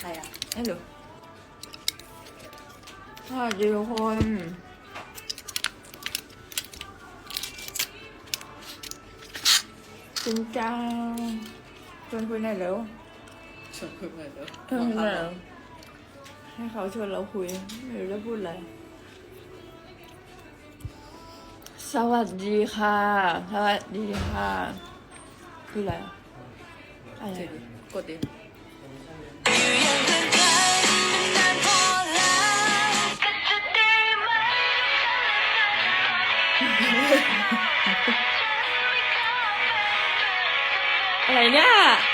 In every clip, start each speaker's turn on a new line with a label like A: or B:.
A: ใครอ่ะ
B: ไม่รู้สวัสดีทุกคนจริงจังชวนคุยหน่อยเร็ว
A: ชวนคุยเลยเด้อ
B: เออเร็วให้เขาชวนเราคุยไม่รู้จะพูดอะไรสวัสดีค่ะสวัสดีค่ะคืออะไรอะอะไร
A: เดี๋ยว
B: อะ
A: กดดิ
B: อะไรเนี่ย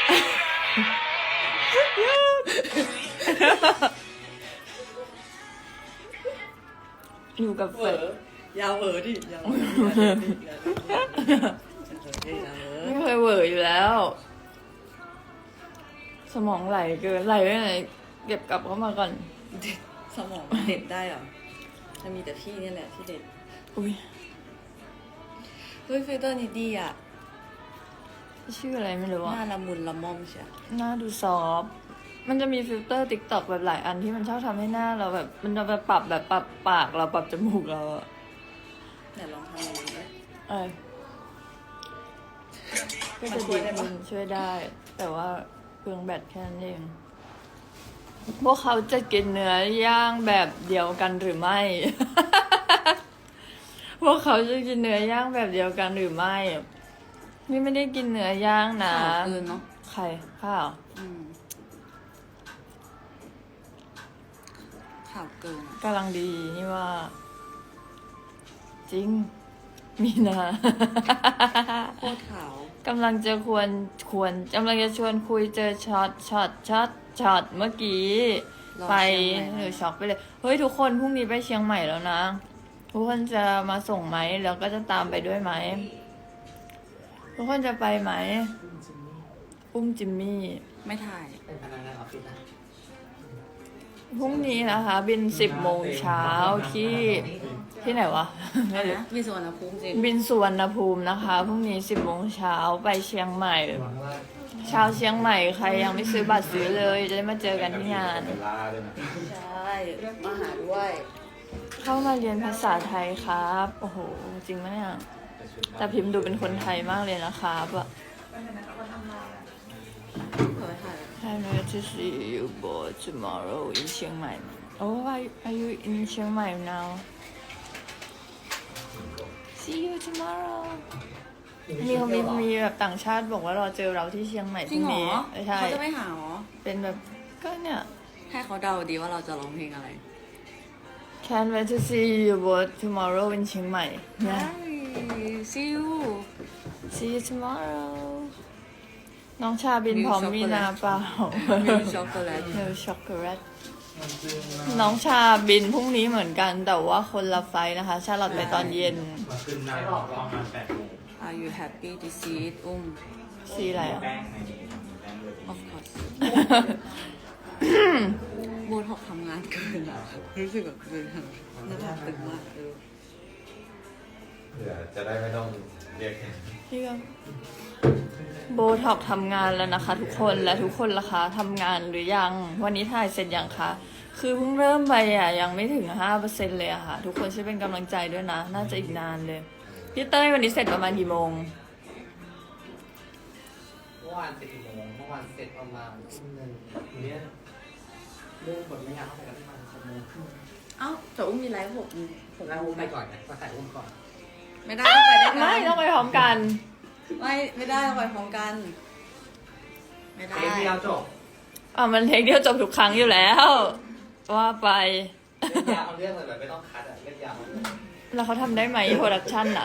B: อยู่กับเฟ
A: เวอ
B: ด
A: ร์ยาวเวอร์ดิยาวเวอร์ดิยาวเวอร์
B: ไม่เคยเวอร์อยู่แล้ว สมองไหลเกินไหลไปไหนเก็บกลับเข้ามาก่อน
A: สมองเด็ดได้เหรอจะมีแต่พี่นี่แหละที่เด็ด
B: อุ้ย
A: เฮ้ยฟิลเตอร์นี่ดีอ่ะ
B: ชื่ออะไรไม่รู้
A: ห
B: อะ
A: น้าละมุนละม่อมใช่
B: หน้าดูซอฟต์มันจะมีฟิลเตอร์ติ๊กต็อกแบบหลายอันที่มันชอบทำให้หน้าเราแบบ มันจะไปปรับแบบปรับปากเราปรับจมูกเราอะ
A: ไหนลองทำอย่างนี้ดิ
B: เออก็
A: มัน
B: จะ
A: ช่วยได้ปะ
B: มันช่วยได้ แต่ว่าเปลืองแบตแค่นั้นเอง พวกเขาจะกินเนื้อย่างแบบเดียวกันหรือไม่ พวกเขาจะกินเนื้อย่างแบบเดียวกันหรือไม่ นี่ไม่ได้กินเนื้อย่างนะ
A: ข่าวเกินเนาะ
B: ใครข้าว
A: ข่าวเกินอะ
B: กำลังดีนี่ว่า จริง มีนา
A: โคตรขาว
B: กำลังจะกำลังจะชวนคุยเจอช็อตเมื่อกี้
A: รอ
B: ไป
A: เชียงใหม่
B: หรือช็อกไปเลย เฮ้ยทุกคนพรุ่งนี้ไปเชียงใหม่แล้วนะ ทุกคนจะมาส่งไหมแล้วก็จะตามไปด้วยไหม ทุกคนจะไปไหมอุ้มจิมมี่
A: ไม่ถ่าย
C: เป็นพนักงานออฟฟิศนะ
B: พรุ่งนี้นะคะ บิน10 โมงเช้าที่ไหนวะ ไม่รู้
A: มีส่วนนะภูมิจริง
B: บินสุวรรณภูมินะคะพรุ่งนี้10 โมงเช้าไปเชียงใหม่
C: หวังว่า
B: ชาวเชียงใหม่ใครยังไม่ซื้อบัตรซื้อเลย จะได้มาเจอกันที่งาน
C: เวลาด้วยนะ
A: ใช่มาหาด้วย
B: เข้ามาเรียนภาษาไทยครับ โอ้โห จริงไหมเนี่ย แต่พิมพ์ดูเป็นคนไทยมากเลยนะครับอะ
A: เผยถ่าย
B: I'm going to see you both tomorrow in Chiang Mai. Oh, are you in Chiang Mai now? See you tomorrow. มีเขามีแบบต่างชาติบอกว่ารอเจอเราที่เชียงใหม่พ
A: จริ
B: รุ่
A: ง
B: ง
A: เหรอ
B: นี้ใช่
A: เขาจะไม่หาเหรอ
B: เป็นแบบก็เนี่ย
A: ให้เขาเดาดีว่าเราจะร้องเพลงอะไร
B: Can't wait to see you both tomorrow in เชียงใหม่นะ
A: See you
B: See you tomorrow น้องชาบินพร้อมมีนาเปล่า
A: มิลช็อกโกแลต
B: มิลช็อกโกแลตน้องชาบินพรุ่งนี้เหมือนกันแต่ว่าคนละไฟล์นะคะ ชาลอตไปตอนเย็น
C: มาขึ้นนายรอบประมาณ8 โมง
A: Are you happy to see it อุ้ม
B: สีอะไรอ่ะ
C: แป้งในนี้แป้งเลย
A: of course โบท็อกทำงานเกินอ่ะ รู้สึกแบบเกินหน้าผากตึงมากเออ
C: เผื่อจะได้ไม่ต้องเรียก
B: พี่ก็โบท็อกทำงานแล้วนะคะ ทุกคนและทุกคนล่ะคะทำงานหรือยัง วันนี้ถ่ายเสร็จยังคะคือเพิ่งเริ่มไปอ่ะยังไม่ถึง 5% เลยอะค่ะ ทุกคนช่วยเป็นกำลังใจด้วยนะ น่าจะอีกนานเลยพี่เต้ยวันนี้เสร็จประมาณกี่โมง
C: เมื่อวาน10 โมงเมื่อวานเสร็จประมาณทุ่มหนึ่งวันนี้เรื่องบทไม่ยาวเท่าไหร่ประมาณ6 โมงครึ่ง
A: เอ้าแต่อุ้มมีไลฟ์ผม
C: แล้วอุ้มไปก่อนนะมาใส่อุ้มก่อน
A: ไม่ได้ต้องไปด้วยกัน
B: ไม่ต้องไปพร้อมกัน
A: ไม่ได้ต้องไปพร้อมกัน ไม่ได้
C: เทปที่เราจบ
B: มันเทคเดียวจบทุกครั้งอยู่แล้ว ว่าไป
C: เล่นยาวเอาเรื่องเลยแบบไม่ต้องคัดอ่ะเล่นยาวเอาเรื่อง
B: แล้วเขาทำได้ไหมโปรดักชั่นอะ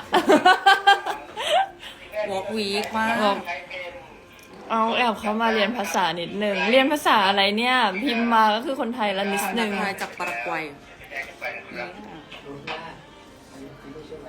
A: วอล์กวีคมาก
B: เอาแอบเขามาเรียนภาษานิดนึงเรียนภาษาอะไรเนี่ย พิมพ์มาก็คือคนไทยละนิดนึง
A: ไทยจากปารากวัย
C: รู้ว่าอันนี้ไม่ใช่ไหม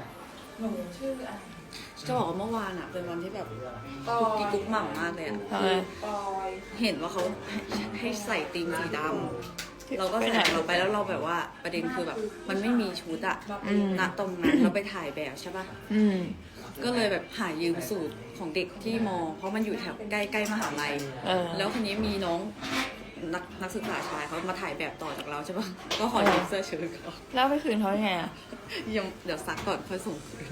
A: จะบอกว่าเมื่อวานอ่ะ เป็นวันที่แบบกุ๊กกิ๊กกุ๊กหม่ำมากเลยอ่ะ
B: ทำไม
A: เห็นว่าเขาให้ใส่ธีมสีดำเราก็ใส่เราไปแล้วเราแบบว่าประเด็นคือแบบมันไม่มีชุดอะณตรงนั้นเราไปถ่ายแบบใช่ปะ
B: อืม
A: ก็เลยแบบหายืมสูตรของเด็กที่มอ เพราะมันอยู่แถวใกล้ๆมหาลัย
B: เออ
A: แล้วคนนี้มีน้องนักศึกษาชายเขามาถ่ายแบบต่อจากเราใช่ปะก็ขอยืมเสื้อเชิ้ตเขา
B: แล้วไปคืนเขายังไงอะ
A: ยังเดี๋ยวซักก่อนค่อยส่งคืน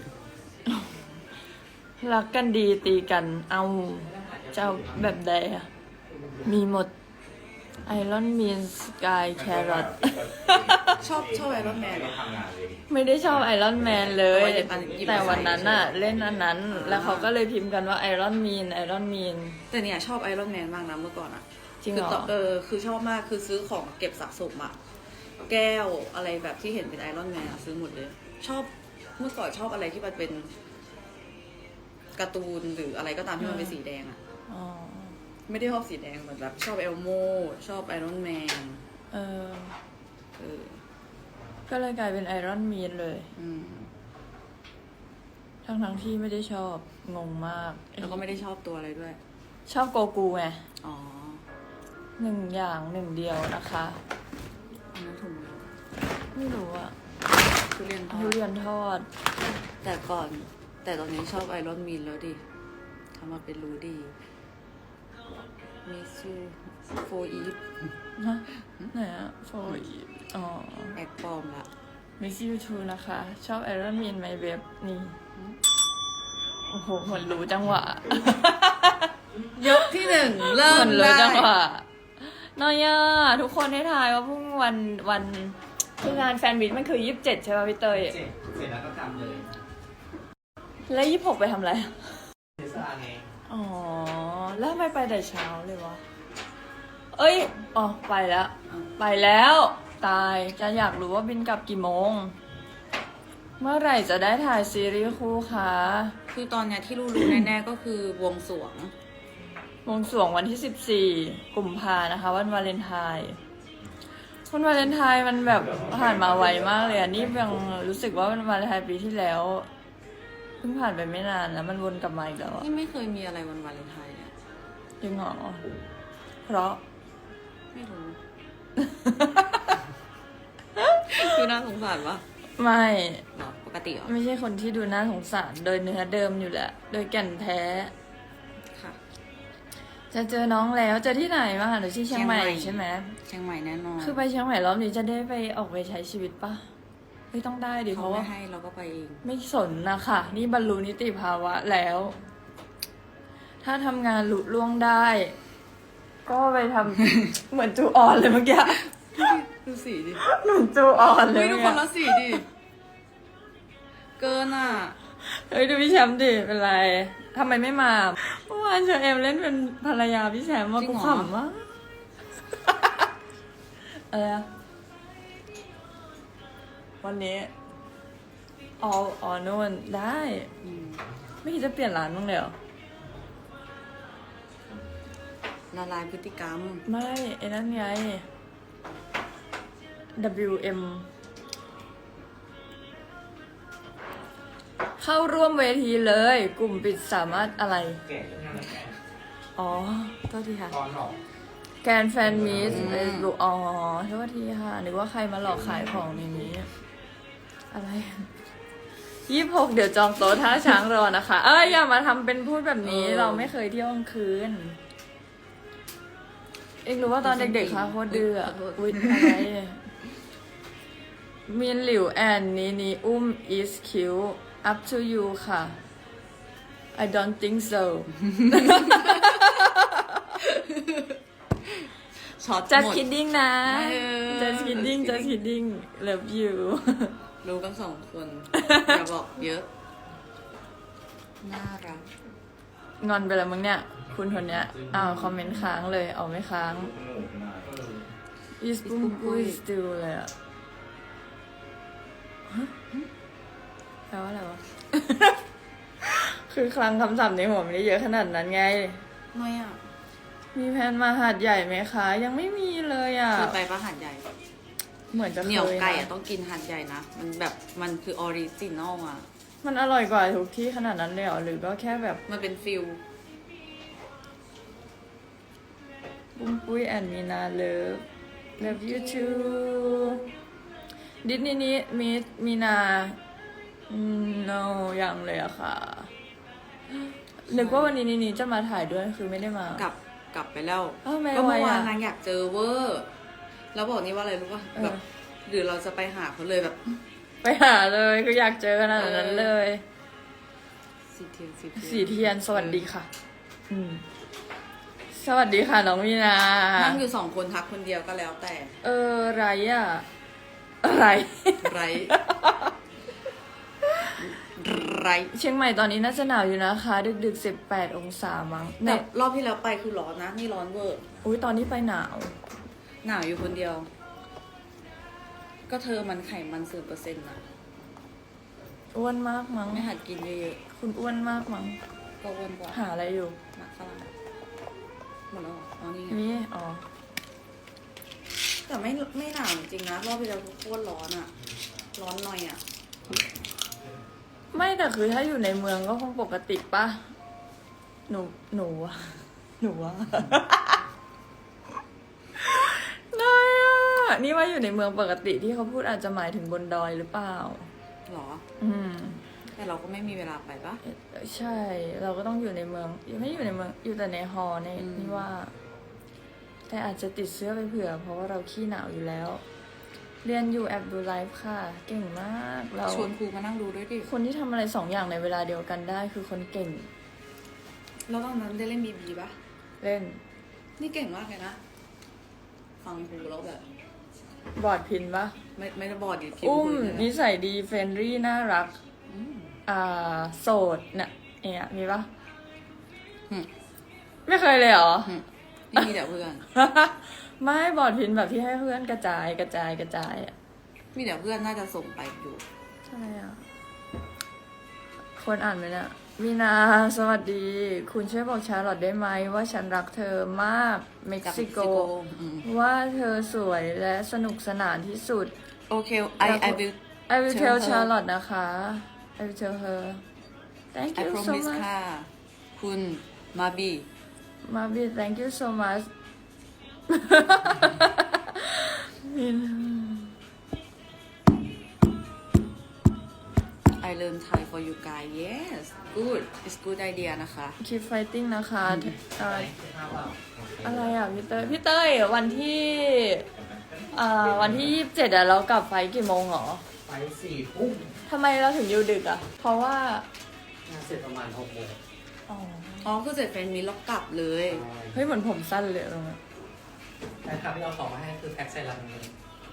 B: รักกันดีตีกันเอาจะเอาแบบใดอะมีหมดไอรอนมีนสกายแครอท
A: ชอบไอรอนแมน
B: ไม่ได้ชอบไอรอนแมนเลย
A: แต่ว่าหยิบมา
B: แต่วันนั้นอะเล่นอันนั้น แล้วเขาก็เลยพิมพ์กันว่าไอรอนมีนไอรอนมีน
A: แต่เนี่ยชอบไอรอนแมนมากนะเมื่อก่อนอะ
B: จริงเหรอ
A: คือชอบมากคือซื้อของเก็บสะสมอะแก้วอะไรแบบที่เห็นเป็นไอรอนแมนซื้อหมดเลย ชอบเมื่อก่อนชอบอะไรที่มันเป็นการ์ตูนหรืออะไรก็ตามที่มันเป็นสีแดงอะ
B: อ๋อ
A: ไม่ได้ชอบสีแดงเหมือนแบบชอบเอลโมชอบไอรอนแมน
B: เออ
A: เออ
B: ก็เลยกลายเป็นไอรอนมีนเลย
A: อืม
B: ทั้งที่ไม่ได้ชอบงงมาก
A: แล้วก็ไม่ได้ชอบตัวอะไรด้วย
B: ชอบโกกูไง
A: อ๋อ
B: หนึ่งอย่างหนึ่งเดียวนะคะ
A: อันนั้นถุงมือ
B: ไม่รู้อะ
A: ทุเรียนทอ
B: ทุ
A: ด
B: เรียนทอด
A: แต่ก่อน แต่ตอนนี้ชอบไอรอนมีนแล้วดิทำมาเป็นรู้ดีมีซูโฟอีฟ
B: ฮะไหนอะโฟอีอ๋อ
A: แอกปลอมละ
B: Miss You Too นะคะ ชอบ Iron Man My Web นี่ โอ้โหเหมือนรู้จังหวะ
A: ยกที่หนึ่งเริ่
B: เห
A: ม
B: มือนรู้
A: ได้
B: จังหวะน้อยอะทุกคนให้ทายว่าพรุ่งวันคืองานแฟนมิตมันคือ27ใช่ป่ะพี่เตย
C: เสร็จแล้วก็จำเลย
B: แล้ว26ไปทำอะไร
C: เทสลาไง
B: อ๋อ แล้วทำไมไปแต่เช้าเลยวะ เอ้ย อ๋อ ไปแล้ว ไปแล้ว ตายจะอยากรู้ว่าบินกลับกี่โมง เมื่อไหร่จะได้ถ่ายซีรีส์คู่คะ
A: คือตอนเนี้ยที่รู้แน่ๆก็คือวงสรวง
B: วงสรวงวันที่14กุมภานะคะ วันวาเลนไทน์วันวาเลนไทน์มันแบบผ่านมาไวมากเลยอ่ะ นี่ยังรู้สึกว่าวันวาเลนไทน์ปีที่แล้ว เพิ่งผ่านไปไม่นานแล้วมันวนกลับมาอีกแล้วอะ
A: นี่ไม่เคยมีอะไรวันวาเลนไทน์เนี่ย
B: จริงเหรอเพราะ
A: ไม่รู้ คือน่าสงสารปะ
B: ไม่
A: หรอปกติเหรอ
B: ไม่ใช่คนที่ดูน่าสงสารโดยเนื้อเดิมอยู่แหละ โดยแก่นแท้
A: ค่ะ
B: จะเจอน้องแล้วเจอที่ไหนมาหาหนูที่เชียงใหม่ใช่ไหม
A: เชียงใหม่แน่นอน
B: คือไปเชียงใหม่รอบนี้จะได้ไปออกไปใช้ชีวิตปะไม่ต้องได้ดิเพ
A: เขา
B: ราะ
A: ไม่
B: ว่า
A: ให้เราก็ไปเอง
B: ไม่สนนะคะนี่บรรลุนิติภาวะแล้ว ถ้าทำงานหลุล่วงได้ ก็ไปทำ เหมือนจูออนเลยเมื่อกี้
A: ดูสีดิ
B: เหมือนจูออนเล
A: เฮ้
B: ย
A: ยดู
B: เมื่อ
A: คน
B: กี้
A: ละสีดิ เกินอ่ะ
B: เฮ้ยดูพี่แชมป์ดิเป็นไรทำไมไม่มาเมื่อวานเชอเอมเล่นเป็นภรรยาพี่แชมป์ว่า
A: จริ
B: กู
A: งเหรอ
B: ขำมาก อะไรอะวันนี้อ๋อนู่นได้
A: อืม
B: ไม่คิดจะเปลี่ยนร้านบ้างเลยเหรอ
A: ละลายพฤติกรรม
B: ไม่ไอ้นั่นไง WM เข้าร่วมเวทีเลย กลุ่มปิดสามารถอะไร
C: แก่ยังไงแก่
B: อ๋อโทษทีค่ะ
C: ตอนหลอก
B: แกนแฟนมีสเฟซบุ๊กอ๋อโทษทีค่ะนึกว่าใครมาหลอกขายของในนี้ อะไร26เดี๋ยวจองโต๊ะท่าช้างรอนะคะ อย่ามาทำเป็นพูดแบบนี้ เราไม่เคยเที่ยวกลางคืน เองรู้ว่าตอนเด็กๆค่ะโคตรดื้ออะอุ๊ยอะไรมินหลิวแอนนี่อุ้ม is cute up to you ค่ะ I don't think so
A: ช็อต
B: just
A: หมด
B: kidding นะ
A: เออ
B: just kidding just kidding love you
A: รู้กันสองคน อย่าบอกเยอะ น่ารัก
B: งอนไปแล้วมึงเนี่ย คุณคนเนี้ยคอมเมนต์ค้างเลยเอาไม่ค้าง is boom boom still เลยอะฮะแปลว่าอะไรวะ คือคลังคำศัพท์ในหัวไม่ได้เยอะขนาดนั้นไง
A: ไม่อ่ะ
B: มีแผนมาหาดใหญ่ไหมคะ ยังไม่มีเลยอ่ะ
A: เคยไปปะหาดใหญ่
B: เหมือนจะเคย
A: เหนียวไก่
B: นะ
A: อ่ะต้องกินหาดใหญ่นะ มันแบบมันคือออริจินอลอ่ะ
B: มันอร่อยกว่าทุกที่ขนาดนั้นเลยเหรอหรือก็แค่แบบ
A: มันเป็นฟิล
B: ปุ้มปุ้ยแอนมีนาเลิฟ love you too ดิสนีย์นี้มีนา no ยังเลยอะค่ะ นึกว่าวันนี้นี่จะมาถ่ายด้วยคือไม่ได้มา
A: กับกลับไปแล้ว
B: อ้าวไม่
A: ก็
B: ไหว
A: เมื่อวาน
B: อ่ะ
A: นางอยากเจอเวอร์แล้วบอกนี่ว่าอะไรรู้ป่ะ
B: เออ
A: แบบหรือเราจะไปหาเขาเลยแบบ
B: ไปหาเลยคืออยากเจอขนาดนั้นเลย
A: สีเทียน
B: สีเทียนสวัสดีค่ะ สวัสดีค่ะน้องมีนา
A: นั่งอยู่2 คนทักคนเดียวก็แล้วแต่
B: ไรอ่ะ อะไร
A: ไร ไร
B: เชียงใหม่ตอนนี้น่าจะหนาวอยู่นะคะ ดึก18 องศามั้ง
A: แต่
B: เนี่ย
A: รอบที่แล้วไปคือร้อนนะ นี่ร้อนเวอร์
B: อุ้ยตอนนี้ไปหนาว
A: หนาวอยู่คนเดียว ก็เธอมันไขมัน0%นะ
B: อ้วนมากมั้ง
A: ไม่หัดกินเยอะ
B: คุณอ้วนมากมั้ง
A: ๆก็อ้วนกว่า
B: หาอะไรอยู่
A: หนักฝรั่งหมดแล้วเหรออ๋อนี่ไง
B: นี่อ๋อ
A: แต่ไม่หนาวจริงๆนะรอบที่แล้วโคตรร้อนอะร้อนหน่อยอะ
B: ไม่แต่คือถ้าอยู่ในเมืองก็คงปกติปะหนูอะหนูอะได้อะนี่ว่าอยู่ในเมืองปกติที่เขาพูดอาจจะหมายถึงบนดอยหรือเปล่า
A: หรอ
B: อืม
A: แต่เราก็ไม่มีเวลาไปปะ
B: ใช่ เราก็ต้องอยู่ในเมืองไม่อยู่ในเมืองอยู่แต่ในฮอใน
A: อืม
B: นี่ว่า แต่อาจจะติดเสื้อไปเผื่อ เพราะว่าเราขี้หนาวอยู่แล้ว เรียนอยู่แอบดูไลฟ์ค่ะ เก่งมากเรา
A: ชวนครูมานั่งดูด้วยดิ
B: คนที่ทำอะไรสองอย่างในเวลาเดียวกันได้คือคนเก่ง
A: แล้วตอนนั้นได้เล่นบีปะ
B: เล่น
A: นี่เก่งมากเลยนะ ฟังครูแล้วแบบ
B: บอร์ดพินปะ
A: ไม่ได้บอดดิพิมพ์
B: อุ้ม
A: คุยเลย
B: นิสัยดีเฟรนรี่น่ารัก
A: อืม
B: โสดเนี่ยเนี่ยมีปะ
A: อืม
B: ไม่เคยเลยเหรอ
A: นี่มีแต่เพื่อน
B: ไม่บอร์ดพินแบบที่ให้เพื่อนกระจายอะ
A: มีแต่เพื่อนน่าจะส่งไปอยู่
B: ใช่อ่ะ คนอ่านไหมเนี่ยมีนาสวัสดี คุณช่วยบอกชาร์ลอตได้ไหมว่าฉันรักเธอมากเม็ก
A: จาก
B: ซิโก
A: อืม
B: ว่าเธอสวยและสนุกสนานที่สุด
A: โอเค I will
B: I will
A: Tell
B: tell
A: her
B: Charlotte นะคะ I will tell her Thank
A: I
B: you so
A: promise
B: much
A: ค่ะ คุณมาบี
B: Mabi thank you so much มิน
A: I learn Thai for you guys yes good it's good idea นะคะ
B: Keep fighting นะคะอะไรอ่ะพี่เต้ยวันที่วันที่27อ่ะเรากลับไฟล์กี่โมงหรอ
C: ไป4 ทุ่ม
B: ทำไมเราถึงอยู่ดึกอ่ะ เพราะว่า
C: งานเสร็จประมาณ6 โมง
B: อ๋อ
A: อ๋อคือเสร็จแฟนมีแล้วกลับเลย
B: เฮ้ยเหมือนผมสั้นเลยตรงนั้น
C: แต่ครับที่เอาของมาให้คือแพ็คใส่ลังเลย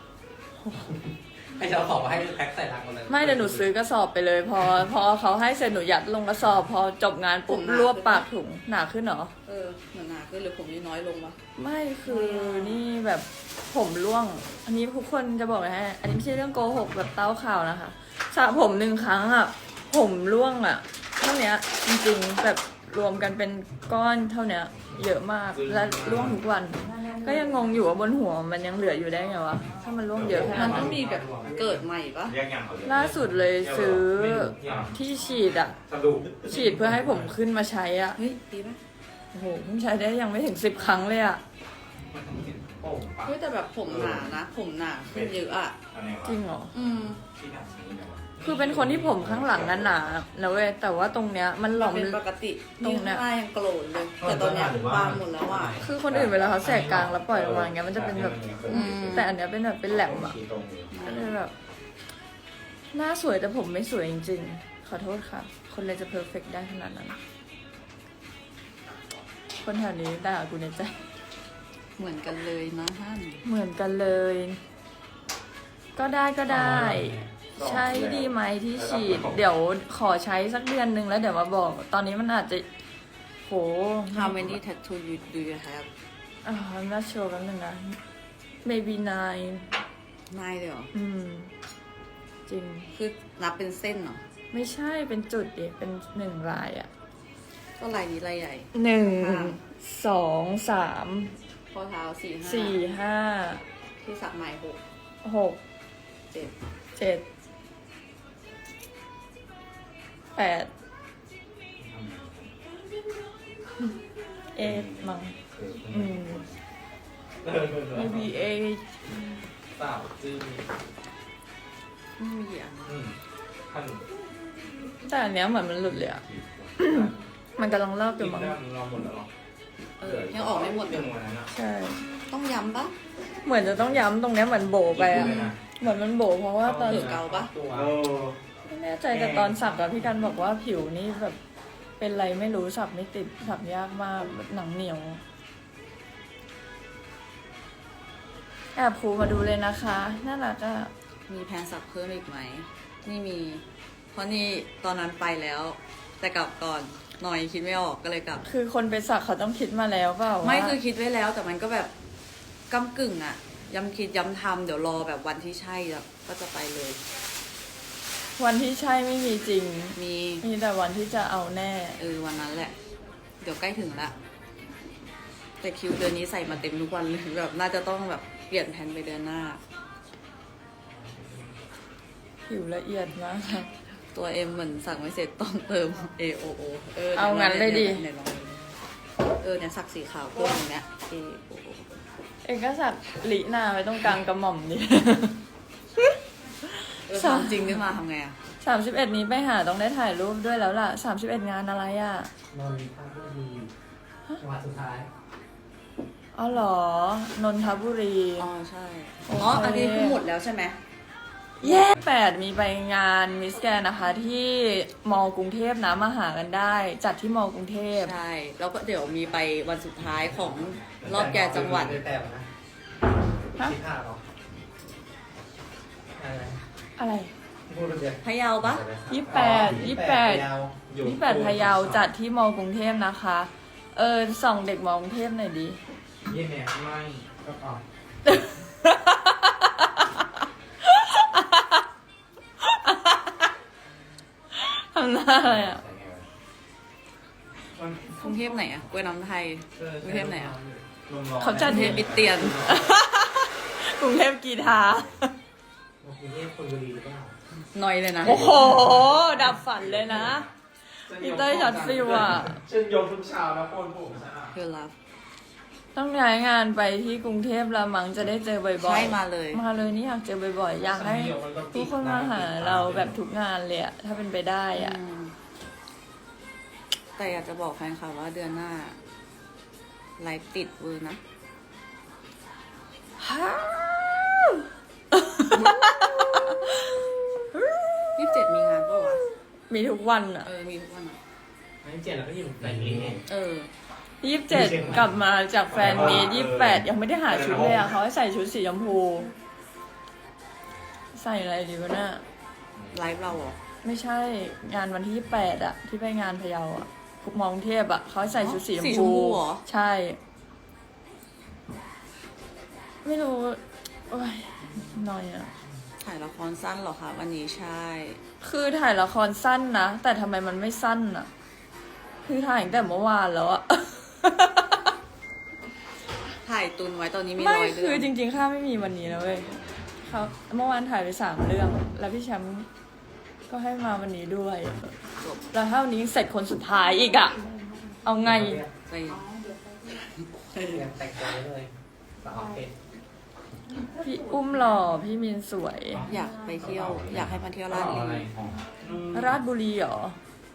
C: ไอ้เอาของมาให้คือแพ็คใส่ลังหมดเลย
B: ไม่เดี๋ยวหนูซื้อกระสอบไปเลย พอเขาให้เสร็จหนูยัดลงกระสอบ พอจบงานปุ๊บรวบปากถุงหนาขึ้นเหรอ
A: เหมือนหนาขึ้นหรือผมนี่น้อยลงวะ
B: ไม่คือนี่แบบผมร่วง อันนี้ทุกคนจะบอกเลยฮะอันนี้ไม่ใช่เรื่องโกหกแบบเต้าข่าวนะคะสระผม1 ครั้งอ่ะ ผมร่วงอ่ะเท่าเนี้ยจริงๆแบบรวมกันเป็นก้อนเท่าเนี้ย เยอะมากและร่วงทุกวัน ก็ยังงงอยู่ว่าบนหัวมันยังเหลืออยู่ได้ไงวะถ้ามันร่วงเยอะข
A: มั
B: นาด
A: นต้
B: นั้
A: อน งมีแบบเกิดใหม่ปะ
D: แยกอย่างเขาเลย
B: ล่าสุดเลยซื้อที่ฉีดอ่ะ
D: สรุป
B: ฉีดเพื่อให้ผมขึ้นมาใช้อ่ะ
A: เฮ้ยดีปะ
B: โอ้โหเพิ่งใช้ได้ยังไม่ถึง10 ครั้งเลยอ่ะ
D: มันต้องเห็นโป่งปะ
A: เฮ้ยแต่แบบผมหนานะผมหนาขึ้นเยอะอ่ะ
D: อันไหนวะ
B: จริงเหรอ
D: ที่หนักนี้เลยวะ
B: คือเป็นคนที่ผมข้างหลังหนาๆนะเว้ยแต่ว่าตรงเนี้ยมันหลอม
A: เป็นปกติ
B: ตรงเนี้ย
A: ข้างหน้ายังโกรธเลย แต่ตอนเนี้ยบางหมดแล้วอ่ะ
B: คือคนอื่นเวลาเขาแสกกลางแล้วปล่อยออกมาอย่างเงี้ยมันจะเป็นแบบ
A: อืม
B: แต่อันเนี้ยเป็นแบบเป็นแหลมอ่ะ
D: ชี้ตรงเลย
B: ก็เลยแบบหน้าสวยแต่ผมไม่สวยจริงๆ ขอโทษค่ะ คนเลยจะเพอร์เฟกได้ขนาดนั้น คนแถวนี้ด่ากูในใจ
A: เหมือนกันเลยนะฮั่น
B: เหมือนกันเลย ก็ได้ ใช้ดีไหมที่ฉีด เดี๋ยวขอใช้สักเดือนนึงแล้วเดี๋ยวมาบอก ตอนนี้มันอาจจะโห
A: How many tattoo you do you have
B: I'm not sure แป๊บนึงนะ maybe 9
A: นายเลยเหรอ
B: จริง
A: คือนับเป็นเส้นเหรอ
B: ไม่ใช่เป็นจุดดิเป็น1 ลายอ่ะ
A: ก็ลายนี้ลายใหญ่
B: 1 2 3
A: ข้อเท้า4
B: 4
A: 5ที่สักใหม่6
B: 5 6
A: 7
B: 7 8 8มั้งmaybe 8
D: สาวจื้อ
A: ไม่มีกี่อัน
D: ท่าน
B: แต่อันเนี้ยเหมือนมันหลุดเลยอ่ะ มันกำลังเลิกอยู่
D: กิน
B: มั้ง
D: ได้เราหมดแล้วหรอ
A: ยังออกไม่หมด
D: เรื่องวันนั้นอ่ะ
B: ใช่
A: ต้องย้ำปะ
B: เหมือนจะต้องย้ำตรงเนี้ยเหมือนโบไปอะ
D: เลยนะ
B: เหมือนมันโบเพราะว่าตอน
A: หรือเกาปะ
C: ตัว
D: เออ
B: ไม่แน่ใจแต่ตอนสักอะพี่กันบอกว่าผิวนี่แบบเป็นไรไม่รู้สับไม่ติดสับยากมากแบบหนังเหนียวแอบครูมาดูเลยนะคะน่ารักอะ
A: มีแพลนสักเพิ่มอีกไหมนี่มี เพราะนี่ตอนนั้นไปแล้ว แต่กลับก่อนหน่อยคิดไม่ออกก็เลยกลับ
B: คือคนไปสักเขาต้องคิดมาแล้วเปล่าว่า
A: ไม่คือคิดไว้แล้วแต่มันก็แบบก้ำกึ่งอะย้ำคิดย้ำทำเดี๋ยวรอแบบวันที่ใช่แล้วก็จะไปเลย
B: วันที่ใช่ไม่มีจริง
A: มี
B: มีแต่วันที่จะเอาแน่
A: วันนั้นแหละ เดี๋ยวใกล้ถึงละแต่คิวเดือนนี้ใส่มาเต็มทุกวันเลยแบบน่าจะต้องแบบเปลี่ยนแผนไปเดือนหน้า
B: ผิวละเอียดมาก
A: ตัวเอ็มเหมือนสั่งไม่เสร็จต้องเติม AOO
B: เอางั้นเลยดิ
A: ไหนลองเนี่ยสักสีขาวเพิ่มตรงเนี้ย AOO
B: เองก็สักลิหน้าไว้ตรงกลางกระหม่อมนี่
A: ทำจริงขึ้นมาทำไงอะ
B: 31 นี้ไปหาต้องได้ถ่ายรูปด้วยแล้วล่ะ 31 งานอะไรอ่ะ
C: นนทบุรีจังหวัดสุดท้าย
B: อ๋อเหรอ นนทบุรี
A: อ๋อใช่
B: โอเค
A: อันนี้คือหมดแล้วใช่ไหม
B: เย้8มีไปงานมิสแกนนะคะ ที่มอกรุงเทพนะมาหากันได้ จัดที่มอกรุงเทพ
A: ใช่ แล้วก็เดี๋ยวมีไปวันสุดท้ายของรอบแก่จังหวัด
C: แต่นะ
B: ฮะ
C: ที่ท่าเหรออะไร
B: อะไร
C: พูดเรื่อย
A: พะเยาปะ
B: 28พะเยาจัดที่มอกรุงเทพนะคะ ส่องเด็กมอกรุงเทพหน่อยดิ
C: เยี่ยมเนี่ยไม่ก็ออก
B: ทำหน้าอะไรอ่ะ
A: กรุงเทพไหนอะกล้วยน้ำไทย กรุงเทพไหนอะ
B: เขาจั
A: ก
B: ด
A: รุงเทพอิตเตียน
B: กรุงเทพกีทา
C: กรุงเทพคนบุรีหรือเปล่า
A: หน่อยเลยนะ
B: โอ้โห ดับฝันเลยนะ พี่เต้ยช็อตฟิวอะ
D: ฉันยกทุกเช้านะโคนผมฉันอ่ะ
A: คือรับ
B: ต้องย้ายงานไปที่กรุงเทพละมั้งจะได้เจอบ่อยๆ
A: ใช่มาเลย
B: มาเลยนี่อยากเจอบ่อยๆ อยากให้ทุกคนมาหาเราแบบทุกงานเลยอะถ้าเป็นไปได้อะ
A: อืมแต่อยากจะบอกแฟนคลับว่าเดือนหน้า ไลฟ์ติดเวอร์นะ
B: ฮ่าว
A: 27มีงานปะวะ
B: มีทุกวันอะ
A: มีทุกวันอะ
C: ไม่เจ็ดแล้วก็อยู่แต่นี้เอง
B: 27กลับมาจากแฟนมีต28 ยังไม่ได้หาชุดเลยอะเขาให้ใส่ชุดสีชมพู ใส่อะไรดีวะน่ะ
A: ไลฟ์เราเหรอ
B: ไม่ใช่งานวันที่28อะที่ไปงานพะเยาอะคุกมองเทพอะเขาให้ใส่ชุดสีชม
A: สีช
B: พู
A: มพูเหรอ
B: ใช่ ไม่รู้โอ้ยหน่อยอะ
A: ถ่ายละครสั้นเหรอคะวันนี้ใช่
B: คือถ่ายละครสั้นนะ แต่ทำไมมันไม่สั้นอะคือถ่ายตั้งแต่เมื่อวานแล้วอะ
A: ถ่ายตุนไว้ตอนนี้มี
B: ไม่
A: ร้อยเรื่
B: คือ
A: อง
B: จริงๆข้าไม่มีวันนี้นะเว้ยเขาเมื่อวานถ่ายไป3 เรื่อง แล้วพี่แชมป์ก็ให้มาวันนี้ด้วย
A: จบ
B: แล้วถ้าวันนี้เสร็จคนสุดท้ายอีกอะเอาไง
A: ไป
C: เตรียมแต่งตัวไว้เลยสาวเป็ด
B: พี่อุ้มหล่อพี่มินสวย
A: อยากไปเที่ยว อยากให้มาเที่ยวราชบุ
D: อะไร
A: รี
B: ราชบุรีเหรอ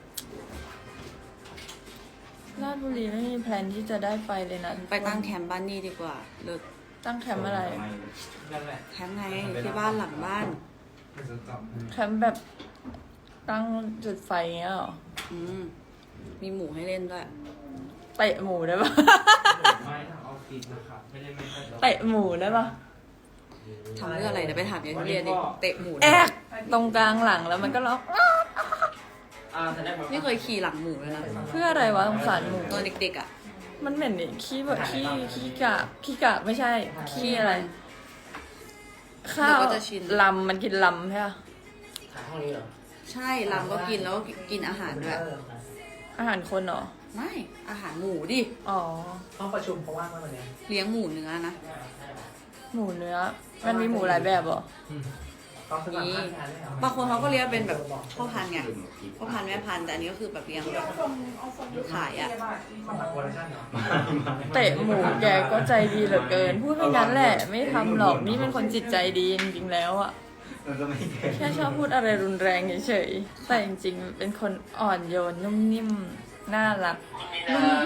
B: ราชบุรีไม่มีแพลนที่จะได้ไปเลยนะ
A: ไปตั้งแคมป์บ้านนี่ดีกว่าเลิศ
B: ตั้งแคมป์อะไร
C: นั่นแหละ
A: แคมป์ไงที่บ้านหลังบ้าน
B: แคมป์แบบตั้งจุดไฟเงี้ยเหรอ
A: มีหมูให้เล่นด้วย
B: เตะหมูได้ปะ
C: ไม่ทางออฟฟิศนะครับ ไม่ได้ไม่ค่อย
B: เตะหมูได้ปะ
A: ทำเรื่องอะไรเดี๋ยวไปถามยายทุเรียนดิเตะหมู
B: แอกตรงกลางหลังแล้วมันก็ล็อก
C: แสดงว่า
A: ไม่เคยขี่หลังหมูเลยนะ
B: เพื่ออะไรวะสงสารหมู
A: ตอนเด็กๆอ่ะ
B: มันเหม็นนี่ขี้แบบขี้กะไม่ใช่ขี้อะไร ข้าวลำมันกินลำใช่ปะ
C: ขายห้องนี้เหรอ
A: ใช่ลำก็กินแล้วก็กินอาหารด้วย
B: อาหารคนเหรอ
A: ไม่อาหารหมูดิ
B: อ๋อ
C: ห้องประชุมเขาว่างมากวันนี้
A: เลี้ยงหมูเนื้อนะ
B: หมูเนื้อ มันมีหมูหลายแบบเหรอ
C: ต้องสมัครพนักงานได้เหรอบ
A: างคนเขาก็เลี้ยงเป็นแบบพ่อพันธุ์ไงพ่อพันธุ์แม่พันธุ์แต่อันนี้ก็คือแบบเลี้ยงแบบขายอ่ะ
C: สมัครโปรดักชั่นเหรอ
B: เตะหมูแกก็ใจดีเหลือเกิน พูดไม่งั้นแหละ ไม่ทำหรอก นี่เป็นคนจิตใจดีจริงๆแล้วอะ
D: มันก็ไม่แก่
B: แค่ชอบพูดอะไรรุนแรงเฉยๆ แต่จริงๆ เป็นคนอ่อนโยนนุ่มนิ่มน่ารัก
C: มี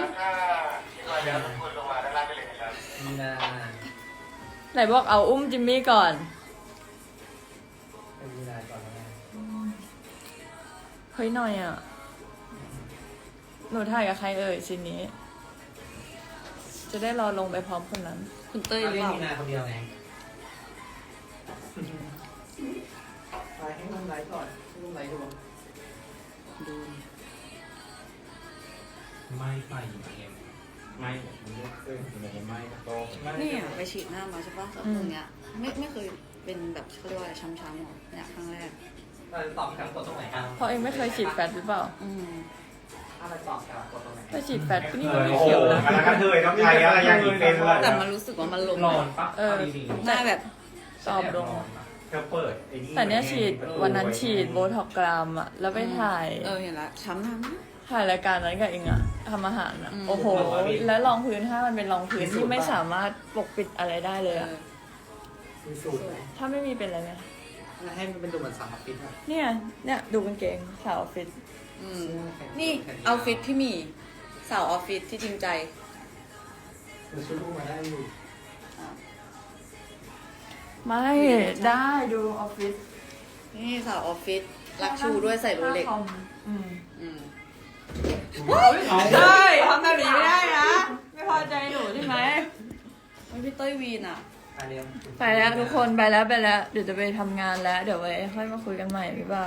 C: นา
B: ไหนบอกเอาอุ้มจิมมี่ก่อน
C: เป็นมีนาก่อนนะ
B: เฮ้ยหน่อยอ่ะ หนูถ่ายกับใครเอ่ยซีนนี้ จะได้รอลงไปพร้อมคนนั้น
A: คุณเต้ยหรือ
C: เล่
A: เป
C: น
A: ล่า
C: มีนาคนเดียวไงไปให้มันไลฟ์ก่อนให้มันไลฟ์ดู
A: ดู
D: ไม่ไฟเอ็มไม่ผมเลือกเส้นผมไม่โตไม่
A: เนี่ยไปฉีดหน้ามาใช่ปะตรงเนี้ยไม่เคยเป็นแบบเขาเรียกว่าอะไรช้ำๆหรอเนี่ยครั้งแรก
C: เราจะตอบครับกดตรงไหนครับ
B: เพราะเองไม่เคยฉีดแฟตหรือเปล่า
A: อืม
C: ถ้าเราตอบครับกดตรงไหน
B: ไปฉีดแฟตก็นี่
D: เอ
B: มัน
D: อ
B: ไม่
D: โอ้โห
B: เขียวนะ
D: แล้วก็เธอต้องใช้อะไรอย่างนี้เป็นเลย
A: แต่มันรู้สึกว่ามันลง
D: นอนปะ
B: เออ
D: ดี
A: หน้าแบบ
B: ตอบลง
D: เธอเปิดไอ้นี่
B: แต่เนี้ยฉีดวันนั้นฉีดโบท็อกกรามอ่ะ แล้วไปถ่าย
A: เห็นละช้ำน้ำนะ
B: ถ่ายรายการนั้นกับเองอะทำอาหารอะ
A: อืม
B: โอ้โห แล้วรองพื้นถ้ามันเป็นรองพื้นที่ไม่สามารถปกปิดอะไรได้เลยอะ
C: มีสูตรไหม
B: ถ้าไม่มีเป็นอะไรไหม
C: ให้มันเป็นดูเหมือนสามฟิตอะ
B: เนี่ยดูกางเกงสาวออฟฟิศ
A: อืมนี่เอาฟิตพี่หมีสาวออฟฟิศที่จริงใจ
C: มันช่วยลูกมาได้อยู่
B: ไม่ได้ดูออฟฟิศ
A: นี่สาวออฟฟิศรักชูด้วยใส่โรเล็ก
B: หน้าคอมอืม
A: อืม
B: ได้ทำแบบนี้ไม่ได้นะ ไม่พอใจหนูใช่ไหม
A: ไม่พี่เต้ยวีนอ่ะ
C: อันเนี้ย
B: ไปแล้วทุกคนไปแล้วเดี๋ยวจะไปทำงานแล้ว เดี๋ยวไว้ค่อยมาคุยกันใหม่บ๊ายบาย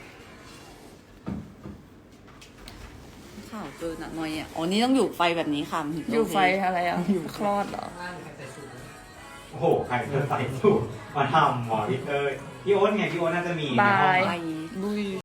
A: ข่าวเกินอ่ะหน่อยอ่ะอ๋อนี่ต้องอยู่ไฟแบบนี้ค่ะมันถึงจะ
B: อยู่
A: โเค
B: ไฟอะไรอ่ะคลอดเหรอ
C: ข้างล่างใครใส่สูตร
D: โอ้โหใครเธอใส่สูตรมาทำหมอพี่เต้ยพี่โอ๊ตไงพี่โอ๊ตน่าจะมีในห้อง
B: บาย
A: ไฟ
B: บุย